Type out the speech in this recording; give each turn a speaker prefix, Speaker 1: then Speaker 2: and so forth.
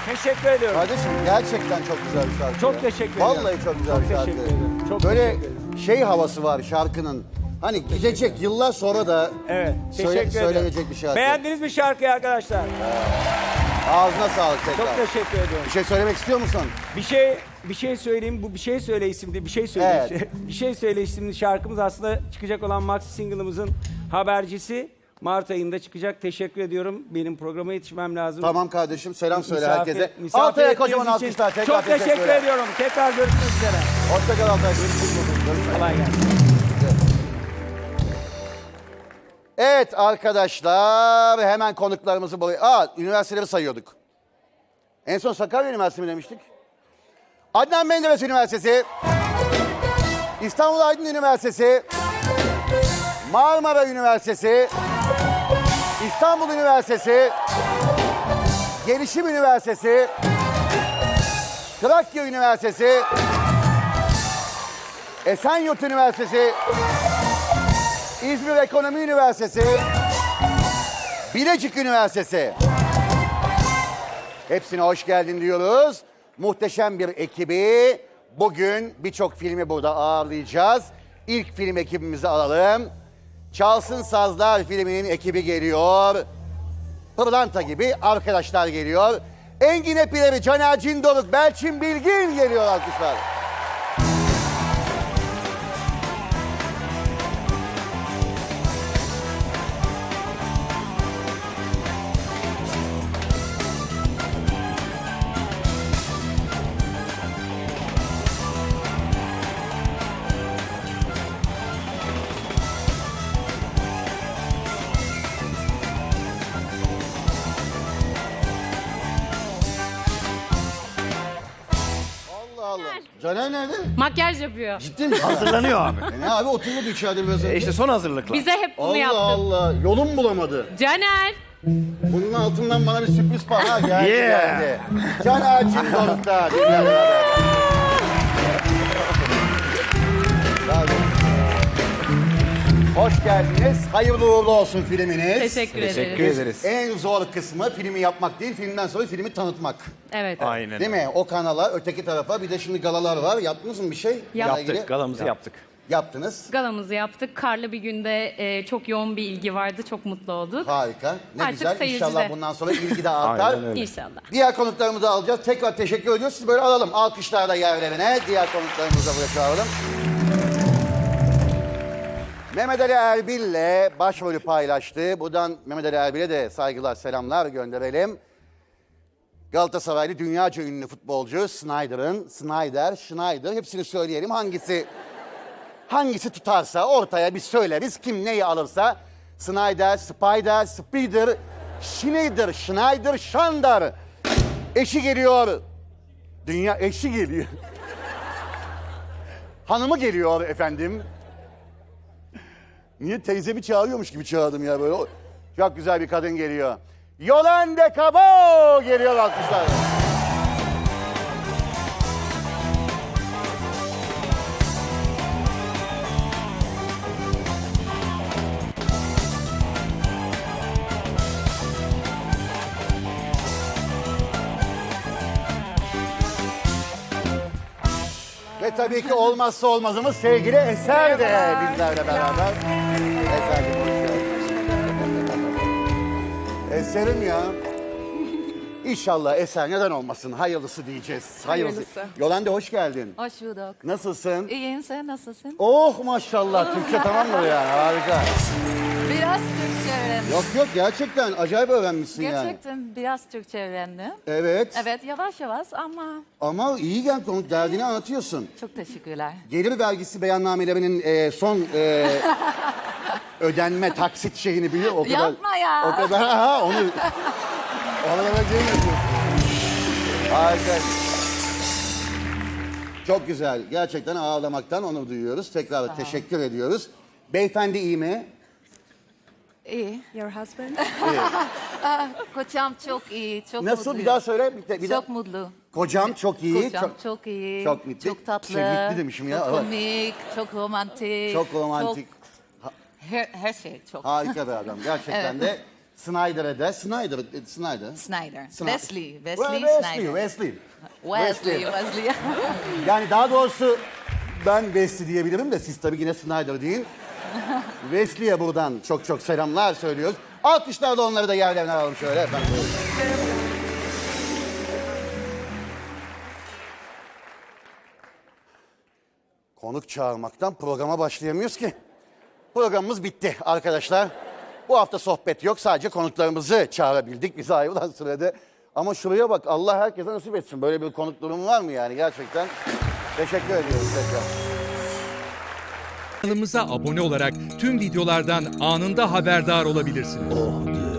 Speaker 1: Teşekkür ediyorum.
Speaker 2: Kardeşim gerçekten çok güzel bir şarkı.
Speaker 1: Çok
Speaker 2: ya.
Speaker 1: teşekkür ederim.
Speaker 2: Vallahi çok güzel bir şarkı.
Speaker 1: teşekkür ederim. Çok
Speaker 2: Böyle
Speaker 1: teşekkür ederim.
Speaker 2: şey havası var şarkının. Hani gidecek yıllar sonra da
Speaker 1: Evet. Teşekkür ederim.
Speaker 2: söylenecek bir şarkı.
Speaker 1: Beğendiniz mi şarkıyı arkadaşlar?
Speaker 2: Ağzına sağlık tekrar.
Speaker 1: Çok teşekkür ediyorum.
Speaker 2: Bir şey söylemek istiyor musun?
Speaker 1: Bir şey söyleyeyim. Bu bir şey söyle isimli, bir şey söyle.
Speaker 2: Evet.
Speaker 1: Bir şey söyle isimli şarkımız aslında çıkacak olan maxi single'ımızın habercisi. Mart ayında çıkacak. Teşekkür ediyorum. Benim programa yetişmem lazım.
Speaker 2: Tamam kardeşim selam söyle
Speaker 1: Misafir-
Speaker 2: herkese.
Speaker 1: misafir
Speaker 2: Altay'a kocaman
Speaker 1: ettiğiniz için
Speaker 2: alkışlar. Tekrar
Speaker 1: çok teşekkür ediyorum. Tekrar görüşmek üzere.
Speaker 2: Hoşçakal Altay. Görüşmek
Speaker 1: Kolay gelsin.
Speaker 2: Evet arkadaşlar hemen konuklarımızı buraya... üniversiteleri sayıyorduk. En son Sakarya Üniversitesi mi demiştik? Adnan Menderes Üniversitesi, İstanbul Aydın Üniversitesi, Marmara Üniversitesi, İstanbul Üniversitesi, Gelişim Üniversitesi, Trakya Üniversitesi, Esenyurt Üniversitesi, İzmir Ekonomi Üniversitesi, Bilecik Üniversitesi. Hepsine hoş geldin diyoruz. Muhteşem bir ekibi. Bugün birçok filmi burada ağırlayacağız. İlk film ekibimizi alalım. Çalsın Sazlar filminin ekibi geliyor. Pırlanta gibi arkadaşlar geliyor. Engin Epileri, Caner Cindoruk, Belçin Bilgin geliyor alkışlar. Allah Allah. Caner nerede?
Speaker 3: Makyaj yapıyor.
Speaker 2: Ciddi misin?
Speaker 4: Hazırlanıyor abi.
Speaker 2: Ne abi oturuyordu içeride biraz önce.
Speaker 4: İşte son hazırlıklar.
Speaker 3: Bize hep bunu
Speaker 2: Allah
Speaker 3: yaptı.
Speaker 2: Allah. Yolum bulamadı.
Speaker 3: Caner.
Speaker 2: Bunun altından bana bir sürpriz var. Ha geldi
Speaker 4: Yeah.
Speaker 2: geldi. Caner Cindoruk'ta. Bizlerle beraber. Bravo. Hoş geldiniz. Hayırlı uğurlu olsun filminiz.
Speaker 3: Teşekkür
Speaker 4: Teşekkür
Speaker 3: ederiz.
Speaker 4: ederiz.
Speaker 2: En zor kısmı filmi yapmak değil, filmden sonra filmi tanıtmak.
Speaker 3: Evet.
Speaker 4: Aynen.
Speaker 2: Değil mi? O kanala, öteki tarafa bir de şimdi galalar var. Yaptınız mı bir şey? Bununla ilgili?
Speaker 4: Yaptık, galamızı yaptık.
Speaker 2: Yaptınız.
Speaker 3: Galamızı yaptık. Karlı bir günde çok yoğun bir ilgi vardı. Çok mutlu olduk.
Speaker 2: Harika. Ne
Speaker 3: Artık
Speaker 2: güzel.
Speaker 3: seyircide.
Speaker 2: İnşallah bundan sonra ilgi de artar.
Speaker 4: Aynen öyle.
Speaker 3: İnşallah.
Speaker 2: Diğer konuklarımızı alacağız. Tekrar teşekkür ediyoruz. Siz böyle alalım. Alkışlar da yerlerine. Diğer konuklarımızı da buraya çağıralım. Mehmet Ali Erbil'le başrolü paylaştı. Buradan Mehmet Ali Erbil'e de saygılar, selamlar gönderelim. Galatasaraylı dünyaca ünlü futbolcu Schneider hepsini söyleyelim. Hangisi tutarsa ortaya bir söyleriz. Kim neyi alırsa. Schneider, Schneider. Eşi geliyor. Dünya eşi geliyor. Hanımı geliyor efendim. Niye teyzemi çağırıyormuş gibi çağırdım ya böyle. Çok güzel bir kadın geliyor. Yolande Cabo geliyor alkışlar. Ve tabii ki olmazsa olmazımız sevgili Eser de bizlerle beraber. Eser'cim hoş geldin. Eser'im ya. İnşallah Eser neden olmasın? Hayırlısı diyeceğiz.
Speaker 5: Hayırlısı.
Speaker 2: Yolande hoş geldin.
Speaker 5: Hoş bulduk.
Speaker 2: Nasılsın?
Speaker 5: İyiyim, sen nasılsın?
Speaker 2: Oh maşallah. Türkçe tamam mı yani? Harika.
Speaker 5: Biraz Türkçe öğrendim.
Speaker 2: Yok gerçekten acayip öğrenmişsin yani.
Speaker 5: Gerçekten biraz Türkçe öğrendim.
Speaker 2: Evet.
Speaker 5: Evet, yavaş yavaş
Speaker 2: Ama iyi gel konu derdini anlatıyorsun.
Speaker 5: çok teşekkürler.
Speaker 2: Gelir vergisi beyannamelerinin son ödenme taksit şeyini biliyor o kadar.
Speaker 5: Yapma ya.
Speaker 2: O kadar onu hemen şey yapıyorsun. Harika. Çok güzel. Gerçekten ağlamaktan onur duyuyoruz. Tekrar teşekkür ediyoruz. Beyefendi iyi mi?
Speaker 5: İyi.
Speaker 6: Your husband?
Speaker 5: Kocam çok iyi, çok
Speaker 2: Nasıl?
Speaker 5: mutlu.
Speaker 2: Bir daha söyle. Bir daha.
Speaker 5: Çok mutlu.
Speaker 2: Kocam çok iyi.
Speaker 5: Kocam çok iyi.
Speaker 2: çok mutlu.
Speaker 5: Çok tatlı.
Speaker 2: Mutlu demişim ya.
Speaker 5: Çok
Speaker 2: Evet.
Speaker 5: komik, çok romantik.
Speaker 2: Çok romantik.
Speaker 5: her şey çok.
Speaker 2: Harika bir adam. Gerçekten
Speaker 5: Evet.
Speaker 2: de Snyder'e de Snyder.
Speaker 5: Snyder.
Speaker 2: Snyder.
Speaker 5: Wesley
Speaker 2: Wesley.
Speaker 5: Wesley.
Speaker 2: Yani daha doğrusu ben Wesley diyebilirim de siz tabii yine Snyder deyin. Wesley'e buradan çok çok selamlar söylüyoruz. Alkışlarla onları da yerlerine alalım şöyle efendim. Konuk çağırmaktan programa başlayamıyoruz ki. Programımız bitti arkadaşlar. Bu hafta sohbet yok. Sadece konuklarımızı çağırabildik bize ayrılan sürede. Ama şuraya bak, Allah herkese nasip etsin. Böyle bir konuk durumu var mı yani gerçekten? Teşekkür ediyoruz tekrar.
Speaker 4: Kanalımıza abone olarak tüm videolardan anında haberdar olabilirsiniz.